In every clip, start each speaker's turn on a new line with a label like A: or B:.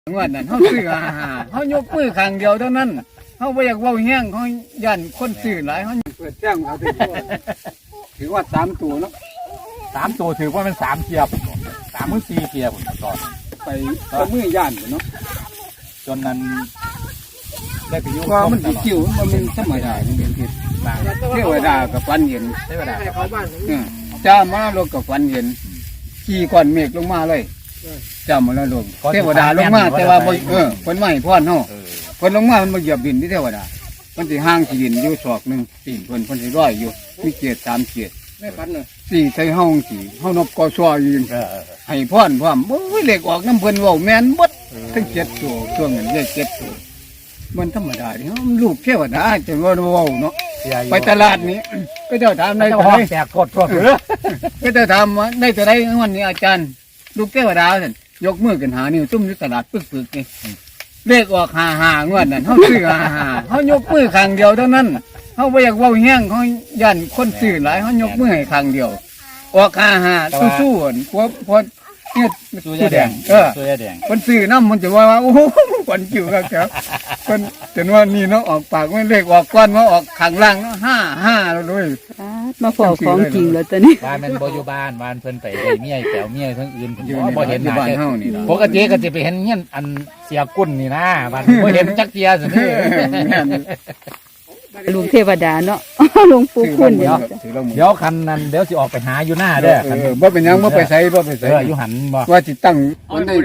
A: งวดนั้นเขาซื้อเขายกมือข้างเดียวเท่านั้นเขาไม่อยากเว้าแห้งเขายันคนซื้อหลายเขาเปิดแจ้งเอาถือว่า3 ตัวเนาะ
B: 3 ตัวถือว่ามัน3 เทียบ3 มือ 4 เทียบต่อ
A: ไปตัวมือย่านเนาะ
B: จนนั้นได้ไปยุ่ง
A: ว่ามันสิคิวมันเป็นธรรมดามันเป็นผิดเทวดากับฟันเห็น
B: เทวดา
A: จ้ามาลงกับฟันเห็นขี่ก้อนเมฆลงมาเลยจ้ามาแล้วลงเทวดาลงมาแต่ว่าคนไม่พ่อนเฮาคนลงมามันมาเหยียบดินที่เทวดามันสิห่างสิดินอยู่ศอกนึงตีนคนสิร้อยอยู่มีเกียรติ3 เกียรติไม่ฟันเลยสี่ใส่ห้องสี่ห้องนบกอชัวยืนให้พ่อนพ่อมโอ้ยเหล็กออกน้ำเพิ่นเว้าแม่นบดทั้ง7 ตัวช่วงนั้นเลข7 ตัวมันธรรมดาดิมันลูกเทวดาจะว่าเว้าเนาะไปตลาดนี้ก็เจ้าถามในตลาด
B: แตกกด
A: ก็เจ้าถามว่าได้แต่ได้วันนี้อาจารย์ลูกเทวดาท่านยกมือกันหานิ้วตุ้มอยู่ตลาดปึกๆนี่เลขออก55งวดนั้นเขาซื้อ55เขายกมือข้างเดียวเท่านั้นเขาไม่อยากเว้าแห้งเขายันคนซื้อหลายเขายกมือให้ข้างเดียวออก55สู้ๆพอเนี่ย
B: ตัวยาแดงตัวยาแดง
A: คนซื้อน้ำมันจะว่าโอ้โหคนจิ๋วครับคนจนว่านี่เนาะออกปากไม่เลขออกก้อนมาออกข้างล่างเนาะ55แล้วด้วย
C: มาพอของจริงแล้วตอนนี้
B: บ้านมันบ่อยู่บ้านบ้านเพิ่นไปได้เมียแป๋วเมียทั้งอื่นบ่เห็นหน้า
A: บ้านเฮานี่ล่ะ
B: ปกติก็จะไปเห็นเงี้ยอันเสียกุ้นนี่นะบ้านบ่เห็นจักเทียสินี่
C: ลุงเทวดาเนาะลุงปู่คุณเ
B: ดี๋ยวคันนั้นเดี๋ยวสิออกไปหาอยู่หน้าเด้อ
A: บ่เป็นหยังบ่ไปไสบ่ไปไส
B: อยู่หันบ่
A: ว่าสิตั้งมันได้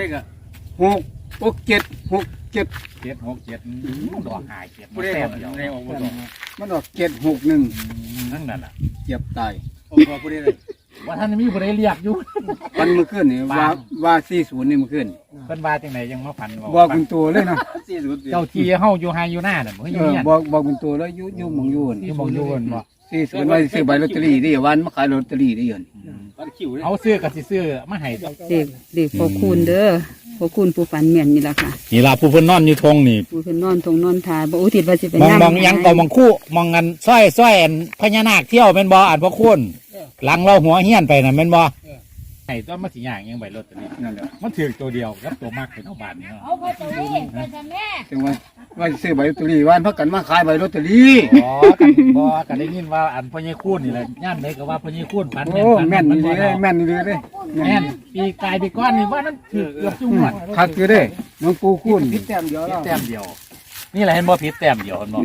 A: 7
B: ดอกหาย7มันแต้มเดียว
A: มันออก761
B: นั่นน่ะ
A: เจ็บตาย
B: ว่าท่านมีผู้ใดเรียกอยู่
A: วันเมื่อคืนนี่ว่า40นี่เมื่อคืน
B: เพิ่นว่าจังไดยังมาพัน
A: บอกคุณตัวเลยนะ
B: 40เจ้าที่เฮาอยู่ไฮอยู่หน้าน่ะบ่อยู่เนี่ย
A: บอกคุณตัวแล้วอยู่หม่องอยู่
B: อยู่หม่องอยู่บ่
A: 40ว่าซื้อใบลอตเตอรี่ได้วันมาขายลอตเตอรี่ได้ยัน
B: เอาซื้อก็สิซื้อมาให้
C: เด็กพอคุณเด้อพอคุณผู้ฝันแม่นนี่ล่ะค่ะ
B: นี่ล่ะผู้เพิ่นนอนอยู่ทงนี่
C: ผู้เพิ่นนอนทงนอนทาบ่อุทิศว่าสิไป
B: มองยังก็มองคู่มองกันซ้อยอันพญานาคเที่ยวแม่นบ่อันพ่อคุณหลังเราหัวเฮี้ยนไปน่ะแม่นบ่ไอ้ต้นมะสีย่างยังใบรถตัวนี้นั่นแหละมันถือตัวเดียวกับตัวมากเป็นเอาบาทนี่เนาะ
D: เอาไปตัวนี้ไปจะแม่
A: ถึงว่าซื้อใบลอตเตอรี่วันพักกันมาขายใบลอตเตอรี่
B: กันได้ยินว่าอันพ่อใหญ่คูนนี่แหละย่านไหนก็ว่าพ่อใหญ่คูนปัน
A: แม่นนี่เลยแม่นนี่เลย
B: แม่นปีกายปีก้อนนี่ว่านั้นถือเกือบจุ่มหมด
A: คักอยู่เด้น้องปูคูนผิดแต้มเดียว
B: แต้มเดียวนี่แหละเห็นบ่ผิดแต้มเดียวเห็นบ่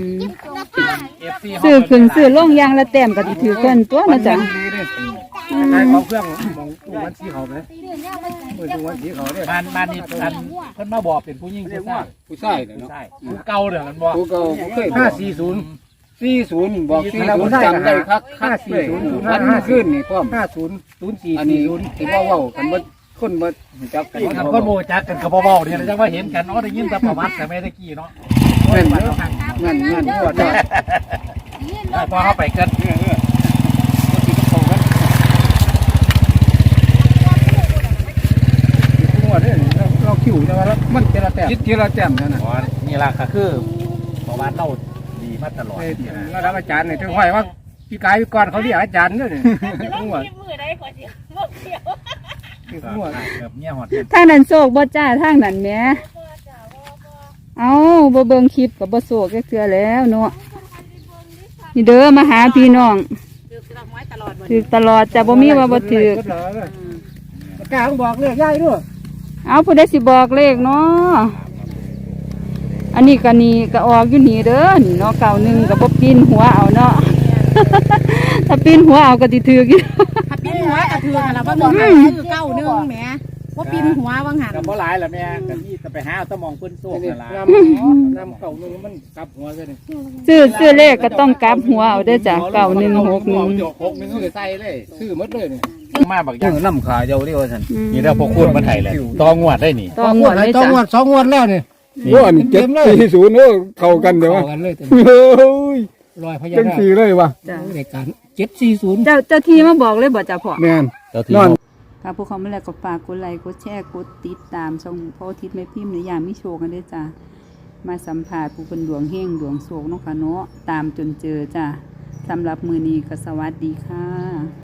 C: ซื้อขึ้นซื้อลงยางละแต้มก็สิถือเกินตัวนะจ๊ะ
A: เขาเครื่องมองตู้วันสีเขาไหมตู้วันสีเขาเนี่ย
B: บ้านนี่เพิ่นมาบอกเป็นผู้หญิง
A: ผู้ชายเนาะ
B: ผู้เก่าเด้อมันบอก
A: ผู้เก่าเคย540บอก40จำได้คัก540วันขึ้นนี่พร้อม5004อันนี้ที่ว่าเว้ากันบ่คนบ่จักกัน
B: คนบ่จักกันก็บ่เว้าเนี่ยจังว่าเห็นกันได้ยินแต่ประวัติแต่ไม่ได้กี้เนาะ
A: แม่นพอได้
B: พอเข้าไปกัน
A: เราคิวแต่ว่ามันเจรแต้มคิดเจรแต้มเท่านั้น
B: นี่ล่ะก็คือประวัติเราดีมาตลอด
A: ระดับอาจารย์นี่ถึงห้อยว่าพี่กายพี่กรเขาเรียกอาจารย์ด้วยนี่
D: มือได้ขอเสียวมือเสียว
C: ทางนั้นโศกบ่จ้าทางนั้นแหมเอาบ่เบิ่งคลิปกับบ่โศกเทื่อแล้วเนาะนี่เด้อมาหาพี่น้องถือตลอดจะบ่มีว่าบ่ถื
A: อกล้าบอกเลขย่ายด้วย
C: เอาผู้ใดสิบอกเลขเนาะอันนี้ก็นี่ก็ออกอยู่นี่เด้อนี่เนาะ91ก็บ่ปีนหัวเอาเนาะถ้าปีนหัวเอาก็สิถืออยู่
D: ถ้าปีนหัวก็ถือหั่นล่ะบ่บอกคือ91แหมบ่ปีนหัวว่างหั่น
B: ก็บ่หลายล่ะแม่ก็นี่ก็ไปหาตะมองเพิ่นโซกนั่นล่ะ
A: นำ91มันกลับหัวซะนี่
C: ซื้อเลขก็ต้องกลับหัวเอาเด้อจ้ะ9161
A: ก็ใส่เลยซื้อหมดเลยนี่
B: มาบักอย่าง
A: น้ำขาเดียวเรียกว่าซั่น
B: นี่แล้วพวกคุณมาไถเลยตองวดได้นี่
C: ตองวดเลยจ้ะ
A: 2งวดแล้วนี่โอ้อันนี้740โอ้เข้ากันเด้อเข้ากันเลยโอ้ย
B: รอยพญา
A: นาคจังซี่เลยว่ะ
C: ใน
A: การ740
C: เจ้าที่มาบอกเลยบ่จ้ะพ่อ
A: แม่น
C: นอนค่ะพวกเขาไม่แล้วก็ฝากกดไลค์กดแชร์กดติดตามช่องพ่อทิศแม่พิมพ์หรือยามมิโชกันด้วยจ้ะมาสัมผัสผู้คนดวงเฮงดวงโศกเนาะค่ะเนาะตามจนเจอจ้ะสำหรับมือนี้ก็สวัสดีค่ะ